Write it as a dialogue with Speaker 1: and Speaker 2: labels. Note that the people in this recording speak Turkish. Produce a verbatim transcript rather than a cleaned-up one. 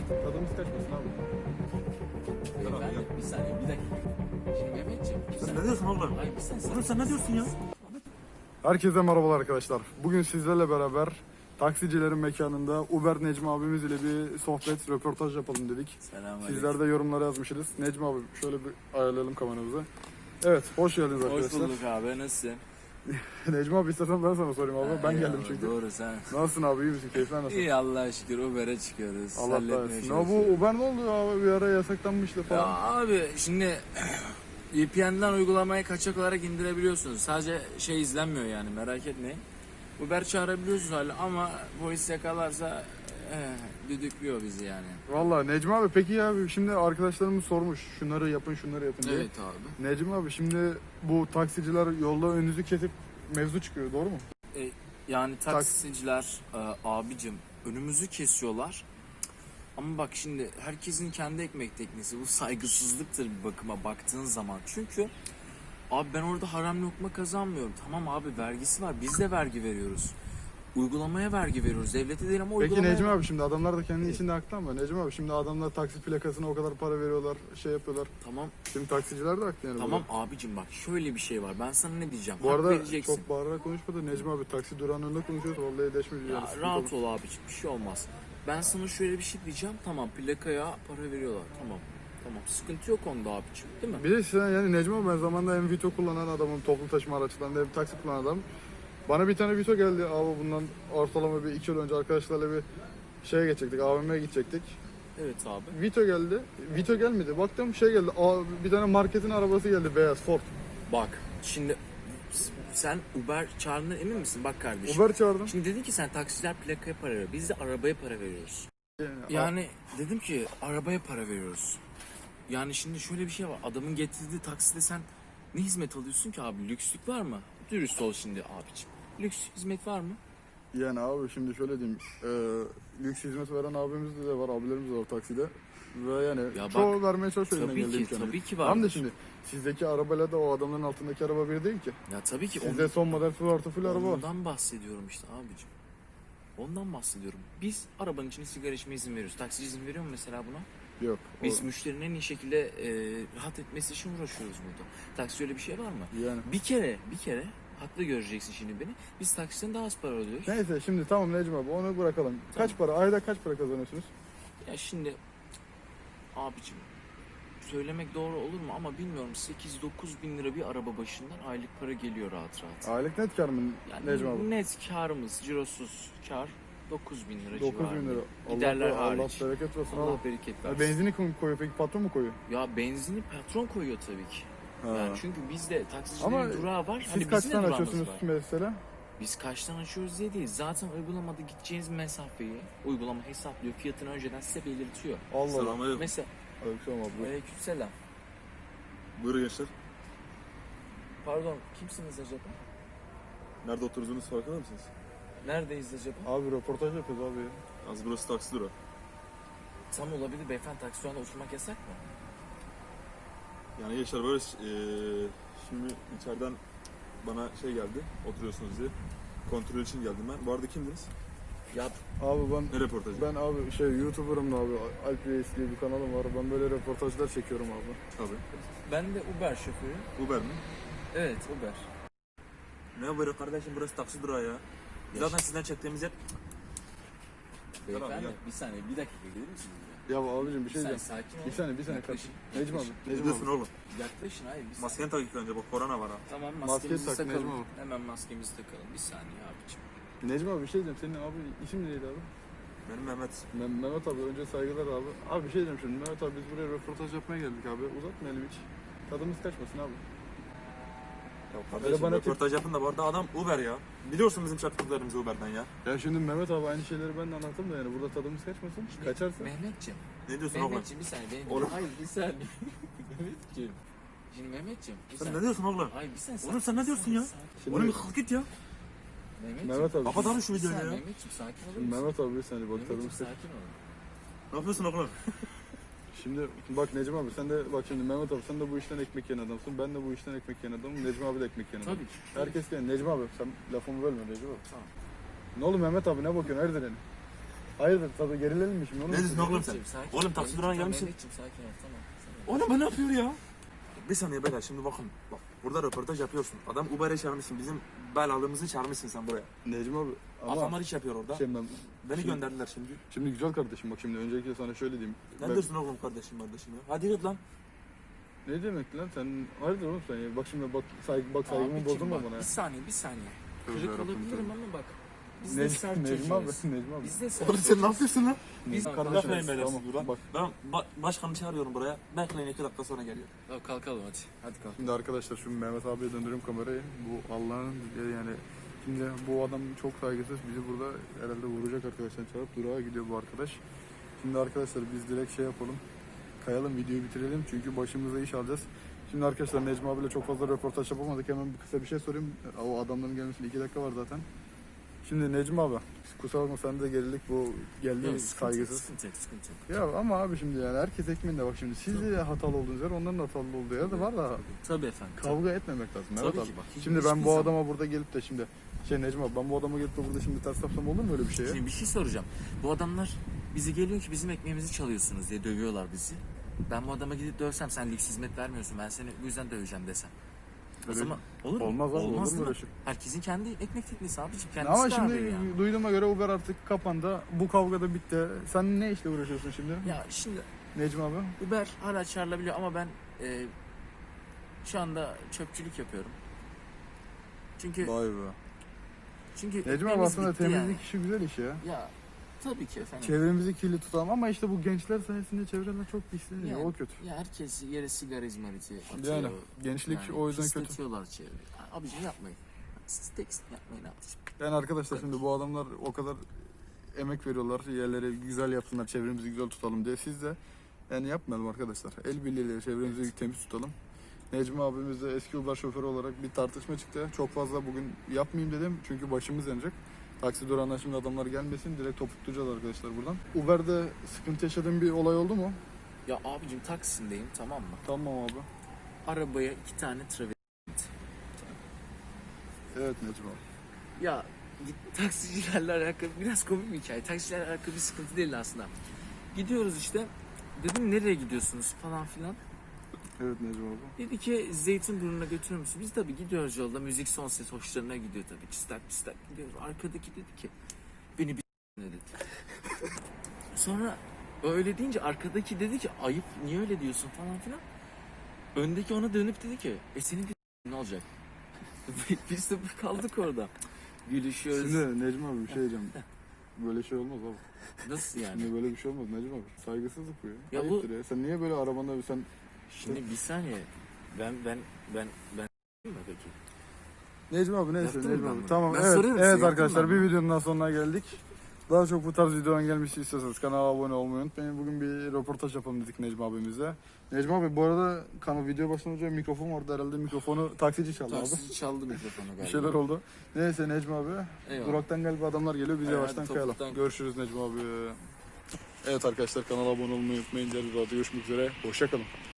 Speaker 1: Tadımız kaçmasın abi.
Speaker 2: Beyefendi bir saniye bir dakika. Şimdi Mehmetciğim. bir
Speaker 3: Sen
Speaker 2: saniye.
Speaker 3: ne diyorsun oğlum?
Speaker 2: Hayır bir saniye.
Speaker 3: Oğlum sen ne diyorsun ya?
Speaker 1: Herkese merhabalar arkadaşlar. Bugün sizlerle beraber taksicilerin mekanında Uber Necmi abimiz ile bir sohbet, röportaj yapalım dedik.
Speaker 2: Selamünaleyküm.
Speaker 1: Sizler de yorumlara yazmışsınız. Necmi abi şöyle bir ayarlayalım kameramızı. Evet, hoş geldiniz
Speaker 2: Hoş
Speaker 1: arkadaşlar.
Speaker 2: bulduk abi, nasılsın?
Speaker 1: Necmi abi istersen ben sana sorayım abi. Ben
Speaker 2: Ha,
Speaker 1: geldim
Speaker 2: eyvallah,
Speaker 1: çünkü.
Speaker 2: Doğru sen.
Speaker 1: Nasılsın abi, iyi misin? Keyifler nasıl?
Speaker 2: İyi Allah'a şükür Uber'e çıkıyoruz.
Speaker 1: Allah
Speaker 2: halletmeye
Speaker 1: kahretsin. Ya
Speaker 2: çalışıyoruz.
Speaker 1: bu Uber ne oldu abi? Bir ara yasaklanmıştı
Speaker 2: Ya
Speaker 1: falan.
Speaker 2: abi şimdi V P N'den uygulamayı kaçak olarak indirebiliyorsunuz. Sadece şey izlenmiyor yani, merak etmeyin. Uber çağırabiliyorsunuz hala ama polis yakalarsa eh, düdüklüyor bizi yani.
Speaker 1: Vallahi Necmi abi peki ya şimdi arkadaşlarımız sormuş. Şunları yapın, şunları yapın diye.
Speaker 2: Evet abi.
Speaker 1: Necmi abi şimdi bu taksiciler yolda önünüzü kesip mevzu çıkıyor, doğru mu?
Speaker 2: E, yani taksiciler e, abicim önümüzü kesiyorlar. Ama bak şimdi herkesin kendi ekmek teknesi. Bu saygısızlıktır bir bakıma baktığın zaman. Çünkü abi ben orada haram lokma kazanmıyorum. Tamam abi, vergisi var. Biz de vergi veriyoruz. Uygulamaya vergi veriyoruz. Devlete değil ama
Speaker 1: Peki
Speaker 2: uygulamaya.
Speaker 1: Necmi abi şimdi adamlar da kendi içinde haklı ama Necmi abi şimdi adamlar taksi plakasına o kadar para veriyorlar, şey yapıyorlar.
Speaker 2: Tamam.
Speaker 1: Şimdi taksiciler de haklı yani.
Speaker 2: Tamam abicim, bak şöyle bir şey var. Ben sana ne diyeceğim?
Speaker 1: Bu
Speaker 2: Hak
Speaker 1: arada
Speaker 2: vereceksin.
Speaker 1: çok bağırarak konuşma da Necmi abi taksi durağının önünde konuşuyoruz. Vallahi deşme bir
Speaker 2: Ya
Speaker 1: yani.
Speaker 2: rahat ol abicim, bir şey olmaz. Ben sana şöyle bir şey diyeceğim. Tamam, plakaya para veriyorlar. Tamam. Tamam, sıkıntı yok onda abicim, değil mi?
Speaker 1: Bir de sen yani Necmi abi ben zamanında hem Vito kullanan adamım, toplu taşıma araçlarında hem taksi kullanan adam. Bana bir tane Vito geldi abi, bundan ortalama bir iki yıl önce arkadaşlarla bir şeye geçecektik, A V M'ye gidecektik.
Speaker 2: Evet abi.
Speaker 1: Vito geldi. Vito gelmedi. Baktım şey geldi. Aa, bir tane marketin arabası geldi, beyaz Ford.
Speaker 2: Bak şimdi sen Uber çağırdığına emin misin? Bak kardeşim.
Speaker 1: Uber çağırdım.
Speaker 2: Şimdi dedin ki sen taksiler plakaya para veriyor. Biz de arabaya para veriyoruz.
Speaker 1: Yani,
Speaker 2: Yani dedim ki arabaya para veriyoruz. Yani şimdi şöyle bir şey var. Adamın getirdiği takside sen ne hizmet alıyorsun ki abi? Lükslük var mı? Dürüst ol şimdi abiciğim. Lüks hizmet var mı?
Speaker 1: yani abi şimdi şöyle diyeyim. E, lüks hizmet veren abimiz de var, abilerimiz de var takside. Ve yani
Speaker 2: Ya
Speaker 1: çoğu
Speaker 2: bak,
Speaker 1: vermeye çalışıyor.
Speaker 2: tabii
Speaker 1: elinden
Speaker 2: ki,
Speaker 1: geldiği imkanı.
Speaker 2: tabii ki
Speaker 1: Tamam da
Speaker 2: vardır.
Speaker 1: şimdi sizdeki arabayla da o adamların altındaki araba bir değil ki.
Speaker 2: Ya tabii ki
Speaker 1: Sizde son model full artı full araba var.
Speaker 2: ondan bahsediyorum işte abicim. Ondan bahsediyorum. Biz arabanın içine sigara içmeye izin veriyoruz. Taksici izin veriyor mu mesela buna?
Speaker 1: Yok.
Speaker 2: Biz
Speaker 1: o-
Speaker 2: müşterinin en iyi şekilde e, rahat etmesi için uğraşıyoruz burada. Taksi öyle bir şey var mı?
Speaker 1: Yani.
Speaker 2: Bir kere, bir kere haklı göreceksin şimdi beni. Biz taksiden daha az para ödüyoruz.
Speaker 1: Neyse şimdi tamam Necmi abi onu bırakalım. Kaç para? Ayda kaç para kazanıyorsunuz?
Speaker 2: Ya şimdi abicim söylemek doğru olur mu ama bilmiyorum, sekiz dokuz bin lira bir araba başından aylık para geliyor rahat rahat.
Speaker 1: Aylık net kar mı
Speaker 2: Yani
Speaker 1: Necmi abi?
Speaker 2: net karımız, cirosuz kar dokuz bin lira
Speaker 1: dokuz
Speaker 2: civarında.
Speaker 1: bin lira.
Speaker 2: Giderler
Speaker 1: Allah,
Speaker 2: hariç.
Speaker 1: Allah bereket versin
Speaker 2: Allah
Speaker 1: abi.
Speaker 2: bereket
Speaker 1: Ya
Speaker 2: versin.
Speaker 1: benzini kim koyuyor peki, patron mu koyuyor?
Speaker 2: Ya benzini patron koyuyor tabii ki.
Speaker 1: Ha.
Speaker 2: Yani çünkü bizde taksicilerin
Speaker 1: Ama
Speaker 2: durağı var.
Speaker 1: Siz
Speaker 2: Hani bizim
Speaker 1: kaçtan
Speaker 2: de durağımız
Speaker 1: açıyorsunuz
Speaker 2: var.
Speaker 1: mesela?
Speaker 2: Biz kaçtan açıyoruz diye değil. Zaten uygulamada gideceğiniz mesafeyi uygulama hesaplıyor. Fiyatını önceden size belirtiyor.
Speaker 1: Allah Allah.
Speaker 3: Selamünaleyküm.
Speaker 2: Mesela
Speaker 1: Aleykümselam abi.
Speaker 2: aleykümselam.
Speaker 3: Buyurun gençler.
Speaker 2: Pardon, kimsiniz acaba?
Speaker 3: Nerede oturduğunuz farkında mısınız?
Speaker 2: Neredeyiz acaba?
Speaker 1: Abi röportaj yapıyoruz abi ya.
Speaker 3: Az burası taksi durağı.
Speaker 2: Tam olabilir beyefendi, taksi durağında oturmak yasak mı?
Speaker 3: Yani gençler böyle eee şimdi içeriden bana şey geldi, oturuyorsunuz diye. Kontrol için geldim ben. Bu arada kimdiniz?
Speaker 2: Ya
Speaker 1: Abi ben
Speaker 3: Ne röportajı?
Speaker 1: ben abi şey YouTuber'ım da abi. Alp Reis diye bir kanalım var. Ben böyle röportajlar çekiyorum abi.
Speaker 3: Tabii.
Speaker 2: ben de Uber şoförü.
Speaker 3: Uber mi?
Speaker 2: Evet, Uber.
Speaker 3: Ne Uber'i kardeşim, burası taksi durağı ya. Zaten sizden çektiğimiz yer...
Speaker 2: Beyefendi
Speaker 3: Tamam,
Speaker 2: bir saniye, bir dakika gelir misiniz?
Speaker 1: Ya abicim bir şey
Speaker 2: Bir saniye,
Speaker 1: diyeceğim.
Speaker 2: sakin ol.
Speaker 1: Bir saniye bir saniye
Speaker 2: Yaklaşın,
Speaker 1: kardeşim. Necmi abi.
Speaker 3: Ne
Speaker 1: Necmi
Speaker 3: diyorsun
Speaker 1: abi.
Speaker 3: oğlum?
Speaker 2: Yaklaşın, hayır bir saniye.
Speaker 3: Maskeni tak ilk önce, bak korona var ha.
Speaker 2: Tamam,
Speaker 1: Maske
Speaker 2: maskemizi
Speaker 1: tak,
Speaker 2: takalım.
Speaker 1: Necmi abi.
Speaker 2: Hemen maskemizi takalım. Bir saniye abicim.
Speaker 1: Necmi abi bir şey diyeceğim. Senin abi isim neydi abi?
Speaker 3: Benim Mehmet.
Speaker 1: Meh- Mehmet abi, önce saygılar abi. Abi bir şey diyeceğim şimdi. Mehmet abi biz buraya röportaj yapmaya geldik abi. Uzatmayalım hiç. Tadımız kaçmasın abi.
Speaker 3: Ya
Speaker 1: Öyle
Speaker 3: kardeşim
Speaker 1: bana
Speaker 3: röportaj yapın da bu arada adam Uber ya. Biliyorsun bizim çarpıklarımızı Uber'den ya.
Speaker 1: Ya şimdi Mehmet abi aynı şeyleri ben de anlattım da yani burada tadımız kaçmasın. Kaçarsa.
Speaker 2: Mehmetciğim.
Speaker 3: Ne diyorsun oğlum?
Speaker 2: Mehmetciğim bir saniye. Benim...
Speaker 3: Oğlum.
Speaker 2: Hayır bir saniye. Mehmetciğim. Şimdi Mehmetciğim. Bir
Speaker 3: Sen
Speaker 2: saniye.
Speaker 3: ne diyorsun oğlum?
Speaker 2: Hayır bir saniye.
Speaker 3: Oğlum sen ne diyorsun ya?
Speaker 1: Şimdi,
Speaker 3: Oğlum bir kalk git ya.
Speaker 2: Mehmetciğim.
Speaker 1: Mehmet abi.
Speaker 3: Kapat abi şu
Speaker 2: Bir
Speaker 3: videoyu
Speaker 2: saniye
Speaker 3: ya.
Speaker 2: Mehmetciğim, sakin olur
Speaker 1: Şimdi
Speaker 2: musun?
Speaker 1: Mehmet abi bir saniye bak
Speaker 2: Mehmetciğim
Speaker 1: tadımız kaç.
Speaker 2: sakin ol.
Speaker 3: Ne yapıyorsun oğlum?
Speaker 1: Şimdi bak Necmi abi sen de bak şimdi Mehmet abi sen de bu işten ekmek yiyen adamsın. Ben de bu işten ekmek yiyen adamım. Necmi abi de ekmek yiyen adam.
Speaker 2: Tabii ki.
Speaker 1: Herkes yani Necmi abi sen lafımı bölme Necmi abi.
Speaker 2: Tamam.
Speaker 1: Ne oldu Mehmet abi, ne bakıyorsun, hayırdır yani? Hayırdır tabii gerilelim mi şimdi? Onu
Speaker 3: Ne
Speaker 1: mu
Speaker 3: diyorsun
Speaker 1: söyleyeyim?
Speaker 3: oğlum sen?
Speaker 2: Mehmetciğim, sakin
Speaker 3: Oğlum
Speaker 2: ol.
Speaker 3: taksi durağına
Speaker 2: Mehmetciğim,
Speaker 3: gelmişsin.
Speaker 2: Mehmetciğim, sakin ol, tamam.
Speaker 3: Oğlum bu ne yapıyor ya? Bir saniye beyler şimdi bakın. Bak burada röportaj yapıyorsun. Adam Uber'e çağırmışsın. Bizim belalığımızı çağırmışsın sen buraya.
Speaker 1: Necmi abi ama
Speaker 3: Adamlar iş yapıyor orada.
Speaker 1: şimdi,
Speaker 3: Beni
Speaker 1: şimdi-
Speaker 3: gönderdiler şimdi.
Speaker 1: şimdi güzel kardeşim bak şimdi öncelikle sana şöyle diyeyim.
Speaker 3: Ne
Speaker 1: Ben-
Speaker 3: diyorsun oğlum kardeşim kardeşim ya? Hadi git lan.
Speaker 1: Ne demek lan sen hayırdır oğlum sen ya? Bak şimdi bak saygı bak saygımı
Speaker 2: Abicim
Speaker 1: bozulma
Speaker 2: bak,
Speaker 1: bana ya.
Speaker 2: Bir saniye, bir saniye.
Speaker 1: Tövbe
Speaker 2: Kırık
Speaker 1: yarabbim,
Speaker 2: olabilirim
Speaker 1: tövbe.
Speaker 2: ama bak. Biz de
Speaker 1: Necmi,
Speaker 2: sert
Speaker 1: Necmi abi,
Speaker 2: çocuğuz.
Speaker 1: Necmi abi.
Speaker 2: Biz de sert
Speaker 3: Oğlum sen ne
Speaker 2: çocuğuz.
Speaker 3: yapıyorsun lan?
Speaker 2: Biz
Speaker 1: Kardeşim,
Speaker 3: Bakmayın beyler
Speaker 1: tamam,
Speaker 3: siz buradan.
Speaker 1: bak.
Speaker 3: Ben ba- başkanı çağırıyorum buraya. Bekleyin iki dakika sonra geliyor.
Speaker 2: Tamam, kalkalım hadi. Hadi kalk.
Speaker 1: Şimdi arkadaşlar şu Mehmet abiye döndürüyorum kamerayı. Bu Allah'ın yani şimdi bu adam çok saygısız bizi burada herhalde vuracak arkadaşlar çağırıp durağa gidiyor bu arkadaş. Şimdi arkadaşlar biz direkt şey yapalım. Kayalım videoyu bitirelim çünkü başımıza iş alacağız. Şimdi arkadaşlar Necmi abiyle çok fazla röportaj yapamadık. Hemen bir kısa bir şey sorayım. O adamların gelmesine iki dakika var zaten. Şimdi Necmi abi kusura bakma sen de gerilik bu geldi
Speaker 2: Yok, sıkıntı yok,
Speaker 1: saygısız.
Speaker 2: sıkıntı yok, sıkıntı yok.
Speaker 1: Ya ama abi şimdi yani herkes ekmeğinde bak şimdi siz de hatalı olduğunuz yer onların hatalı olduğu yer de var da
Speaker 2: Tabii efendim. tabii.
Speaker 1: kavga etmemek lazım.
Speaker 2: Tabii
Speaker 1: Evet
Speaker 2: ki
Speaker 1: abi.
Speaker 2: bak, hiç-
Speaker 1: Şimdi ben
Speaker 2: hiçbir
Speaker 1: bu
Speaker 2: zaman-
Speaker 1: adama burada gelip de şimdi şey Necmi abi ben bu adama gelip de burada şimdi ters yapsam olur mu öyle bir şey ya?
Speaker 2: Şimdi bir şey soracağım. Bu adamlar bizi geliyor ki bizim ekmeğimizi çalıyorsunuz diye dövüyorlar bizi. Ben bu adama gidip dövsem sen lüks hizmet vermiyorsun. Ben seni bu yüzden döveceğim desem. O
Speaker 1: Öyle-
Speaker 2: zaman olur mu?
Speaker 1: Olmaz abi, olur mu
Speaker 2: değil mi?
Speaker 1: öyle şey?
Speaker 2: Herkesin kendi ekmek teknesi abiciğim. Kendisi
Speaker 1: Ama
Speaker 2: karar
Speaker 1: şimdi
Speaker 2: veriyor yani.
Speaker 1: duyduğuma göre Uber artık kapandı. Bu kavga da bitti. Sen ne işle uğraşıyorsun şimdi?
Speaker 2: Ya şimdi
Speaker 1: Necmi abi?
Speaker 2: Uber hala çağrılabiliyor ama ben e, şu anda çöpçülük yapıyorum. Çünkü
Speaker 1: Vay be.
Speaker 2: çünkü
Speaker 1: Necmi abi
Speaker 2: ekmeğimiz
Speaker 1: aslında
Speaker 2: bitti
Speaker 1: temizlik
Speaker 2: yani.
Speaker 1: işi güzel iş ya.
Speaker 2: Ya tabii ki efendim.
Speaker 1: Çevremizi kirli tutalım ama işte bu gençler sayesinde çevreler çok pisleniyor.
Speaker 2: Yani,
Speaker 1: O kötü.
Speaker 2: Ya herkes yere sigara izmariti atıyor.
Speaker 1: Yani gençlik
Speaker 2: Yani
Speaker 1: o yüzden kötü.
Speaker 2: pisletiyorlar çevreyi. Abicim yapmayın. Siz tekstil yapmayın abicim.
Speaker 1: Yani arkadaşlar şimdi bu adamlar o kadar emek veriyorlar yerleri güzel yapsınlar çevremizi güzel tutalım diye siz de yani yapmayalım arkadaşlar. El birliğiyle çevremizi temiz tutalım. Necmi abimiz de eski Uber şoförü olarak bir tartışma çıktı. Çok fazla bugün yapmayayım dedim çünkü başımız yanacak. Taksi durağından şimdi adamlar gelmesin direkt topuklayacağız arkadaşlar buradan. Uber'de sıkıntı yaşadığın bir olay oldu mu?
Speaker 2: Ya abicim Taksim'deyim, tamam mı?
Speaker 1: Tamam abi.
Speaker 2: Arabaya iki tane travesti.
Speaker 1: Evet Necmi abi.
Speaker 2: Ya git, taksicilerle alakalı biraz komik bir hikaye. Taksicilerle alakalı bir sıkıntı değil aslında. Gidiyoruz işte. Dedim nereye gidiyorsunuz falan filan.
Speaker 1: Evet Necmi abi.
Speaker 2: Dedi ki Zeytinburnu'na götürür müsün? Biz tabii gidiyoruz yolda. Müzik son ses hoşlarına gidiyor tabii. Çistak çistak gidiyoruz. Arkadaki dedi ki beni bir ne dedi. Sonra öyle deyince arkadaki dedi ki ayıp niye öyle diyorsun falan filan. Öndeki ona dönüp dedi ki e senin bir ne olacak? Biz de kaldık orada. Gülüşüyoruz.
Speaker 1: Şimdi Necmi abi bir şey diyeceğim. Böyle şey olmaz abi.
Speaker 2: Nasıl yani?
Speaker 1: Şimdi böyle bir şey olmaz Necmi abi. Saygısızlık bu ya.
Speaker 2: Ya bu-
Speaker 1: Ayıptır ya. Sen niye böyle arabanda sen
Speaker 2: Şimdi bir saniye. Ben ben ben ben mi peki?
Speaker 1: Necmi abi neyse
Speaker 2: Yaptın mı
Speaker 1: Necmi
Speaker 2: ben
Speaker 1: abi.
Speaker 2: bunu?
Speaker 1: Tamam
Speaker 2: Ben
Speaker 1: evet,
Speaker 2: sorarım size,
Speaker 1: evet
Speaker 2: yaptın
Speaker 1: arkadaşlar
Speaker 2: mı
Speaker 1: bir
Speaker 2: ben bunu?
Speaker 1: videonun daha sonuna geldik. Daha çok bu tarz videoların gelmesi istiyorsanız kanala abone olmayı unutmayın. Bugün bir röportaj yapalım dedik Necmi abimizle. Necmi abi bu arada kanal video başlamadan önce mikrofon vardı herhalde mikrofonu taksici çaldı abi.
Speaker 2: Taksici çaldı mikrofonu galiba.
Speaker 1: Bir şeyler oldu. Neyse Necmi abi.
Speaker 2: Eyvallah.
Speaker 1: Duraktan galiba adamlar geliyor. Biz
Speaker 2: Hadi,
Speaker 1: yavaştan
Speaker 2: hadi
Speaker 1: kayalım.
Speaker 2: topuktan-
Speaker 1: Görüşürüz Necmi abi. Evet arkadaşlar kanala abone olmayı unutmayın. Diğer videoda görüşmek üzere. Hoşça kalın.